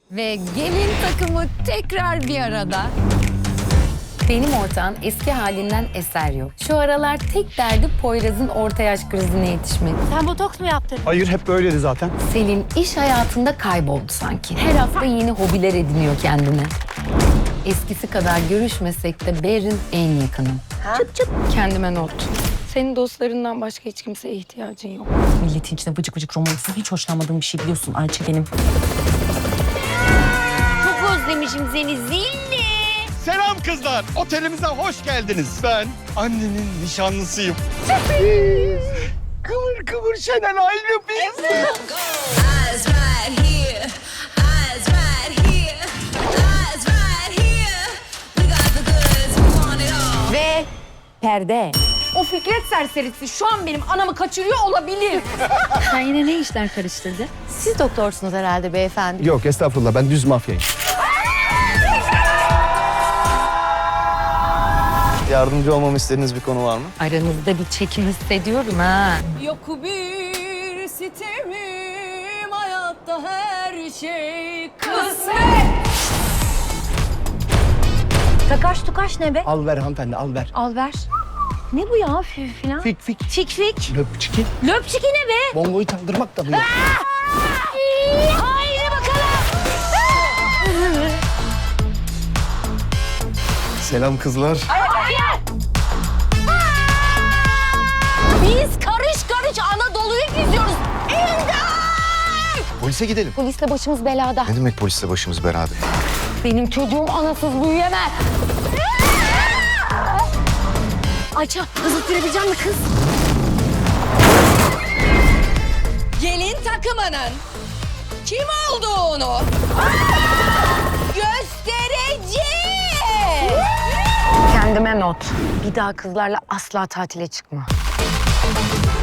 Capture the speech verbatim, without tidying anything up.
Ve gelin takımı tekrar bir arada. Benim ortağın eski halinden eser yok. Şu aralar tek derdi Poyraz'ın orta yaş krizine yetişmek. Sen botoks mu yaptın? Hayır, hep böyleydi zaten. Selin iş hayatında kayboldu sanki. Her hafta yeni hobiler ediniyor kendine. Eskisi kadar görüşmesek de Berin en yakınım. Çıp çıp. Kendime not. Senin dostlarından başka hiç kimseye ihtiyacın yok. Milletin içinde vıcık vıcık romansı hiç hoşlanmadığım bir şey biliyorsun Ayça benim. Çok özlemişim seni Zilli. Selam kızlar, otelimize hoş geldiniz. Ben annenin nişanlısıyım. Kıvır kıvır Şenel aynı biz. Eyes right here, eyes right here, eyes right here. We got the goods, we want it all. Ve perde. O Fikret serserisi şu an benim anamı kaçırıyor olabilir. Sen yine ne işler karıştırdı? Siz doktorsunuz herhalde beyefendi. Yok estağfurullah, ben düz mafyayım. Yardımcı olmamı istediğiniz bir konu var mı? Aranızda bir çekim hissediyorum ha. Yok bir sitemim hayatta her şey kısmet. Takaş tukaş ne be? Al ver hanımefendi, al ver. Al ver. Ne bu ya fif falan? Fik fik. Fik fik. Löpçiki. Löpçiki ne be? Bongoyu çaldırmak da bu ya. Haydi bakalım. Selam kızlar. Biz karış karış Anadolu'yu geziyoruz. Polise gidelim. Polisle başımız belada. Ne demek polisle başımız beraber? Benim çocuğum anasız büyüyemez. Ayça hızlı sürebilecek mi kız? Gelin takımının kim olduğunu göstereceğim. Kendime not. Bir daha kızlarla asla tatile çıkma.